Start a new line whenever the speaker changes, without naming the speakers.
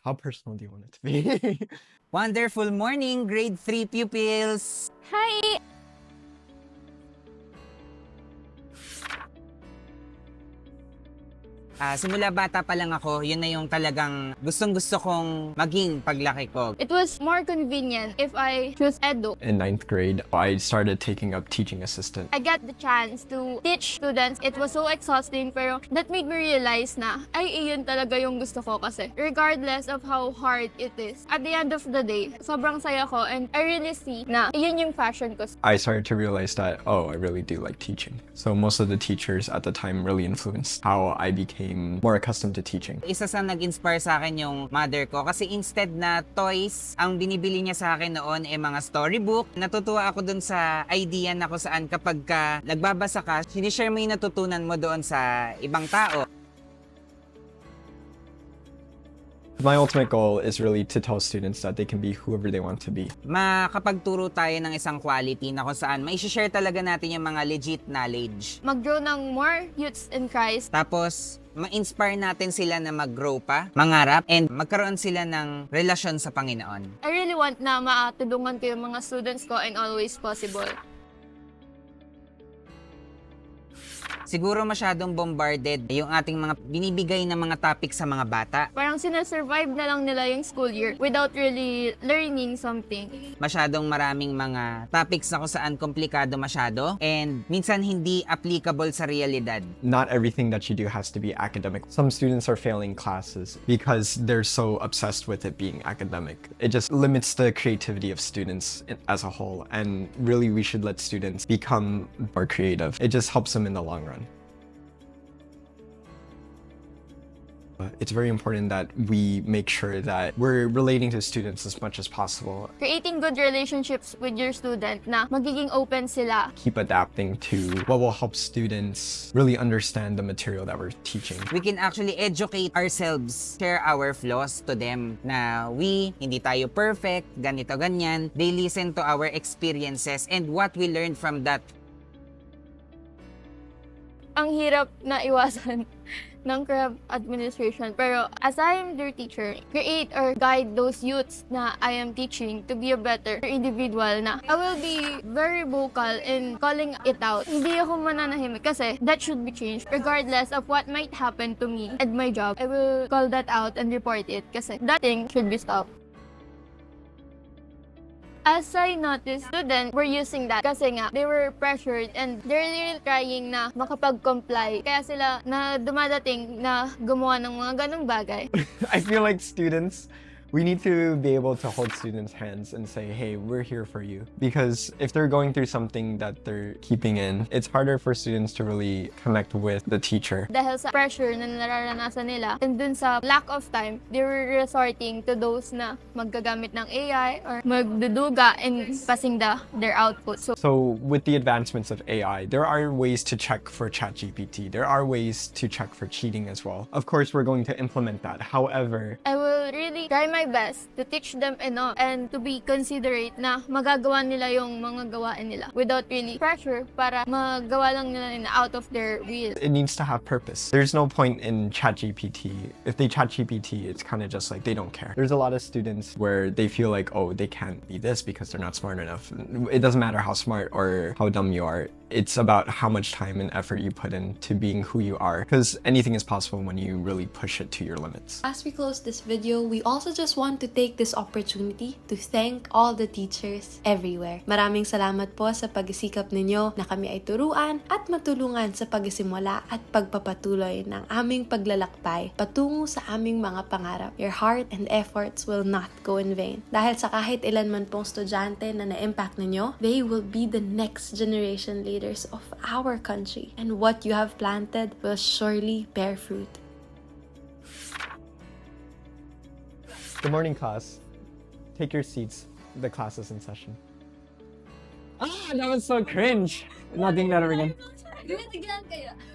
How personal do you want it to be?
Wonderful morning, grade 3 pupils!
Hi!
Simula bata pa lang ako, yun na yung talagang gustong-gusto kong maging paglaki ko.
It was more convenient if I choose edu.
In 9th grade, I started taking up teaching assistant.
I got the chance to teach students. It was so exhausting pero that made me realize na ay iyon talaga yung gusto ko kasi regardless of how hard it is. At the end of the day, sobrang saya ko and I really see na iyon yung passion ko.
I started to realize that, oh, I really do like teaching. So most of the teachers at the time really influenced how I became more accustomed to teaching.
Isa sa nag-inspire sa akin yung mother ko kasi instead na toys, ang binibili niya sa akin noon ay mga storybook. Natutuwa ako dun sa idea na kung saan kapag ka nagbabasa ka, sinishare mo yung natutunan mo doon sa ibang tao.
My ultimate goal is really to tell students that they can be whoever they want to be.
Makapagturo tayo ng isang quality na kung saan mai-share talaga natin yung mga legit knowledge.
Mag-grow ng more youths in Christ.
Tapos, ma-inspire natin sila na mag-grow pa, mangarap, and magkaroon sila ng relasyon sa Panginoon.
I really want na matulungan ko yung mga students ko and always possible.
Siguro masyadong bombarded yung ating mga binibigay na mga topic sa mga bata.
Parang sinasurvive na lang nila yung school year without really learning something.
Masyadong maraming mga topics na kung saan komplikado masyado and minsan hindi applicable sa realidad.
Not everything that you do has to be academic. Some students are failing classes because they're so obsessed with it being academic. It just limits the creativity of students as a whole, and really we should let students become more creative. It just helps them in the long run. It's very important that we make sure that we're relating to students as much as possible.
Creating good relationships with your student na magiging open sila.
Keep adapting to what will help students really understand the material that we're teaching.
We can actually educate ourselves, share our flaws to them na hindi tayo perfect, ganito, ganyan. They listen to our experiences and what we learned from that.
Ang hirap na iwasan ng CREV administration. Pero as I am their teacher, create or guide those youths na I am teaching to be a better individual na I will be very vocal in calling it out. Hindi ako mananahimik kasi that should be changed regardless of what might happen to me and my job. I will call that out and report it kasi that thing should be stopped. As I noticed, students were using that kasi nga, they were pressured and they're really trying na makapag-comply. Kaya sila na dumadating na gumawa ng mga ganong bagay.
I feel like students, we need to be able to hold students' hands and say, hey, we're here for you. Because if they're going through something that they're keeping in, it's harder for students to really connect with the teacher.
Dahil sa pressure na nararanasan nila and dun sa lack of time, they were resorting to those na maggagamit ng AI or magduduga and passing their output.
So with the advancements of AI, there are ways to check for ChatGPT. There are ways to check for cheating as well. Of course, we're going to implement that. However,
I will really try my best to teach them enough and to be considerate na magagawa nila yung mga gawain nila without really pressure para magawa lang nila out of their will.
it needs to have purpose. There's no point in ChatGPT. If they ChatGPT, it's kind of just like they don't care. There's a lot of students where they feel like, oh, they can't be this because they're not smart enough. It doesn't matter how smart or how dumb you are. It's about how much time and effort you put into being who you are, because anything is possible when you really push it to your limits.
As we close this video, we also just want to take this opportunity to thank all the teachers everywhere. Maraming salamat po sa pagsisikap ninyo na kami ay turuan at matulungan sa pagsisimula at pagpapatuloy ng aming paglalakbay patungo sa aming mga pangarap. Your heart and efforts will not go in vain. Dahil sa kahit ilan man pong estudyante na na-impact ninyo, they will be the next generation leaders of our country, and what you have planted will surely bear fruit.
Good morning, class. Take your seats. The class is in session. That was so cringe. Not doing that ever again.
Ganyan kaya.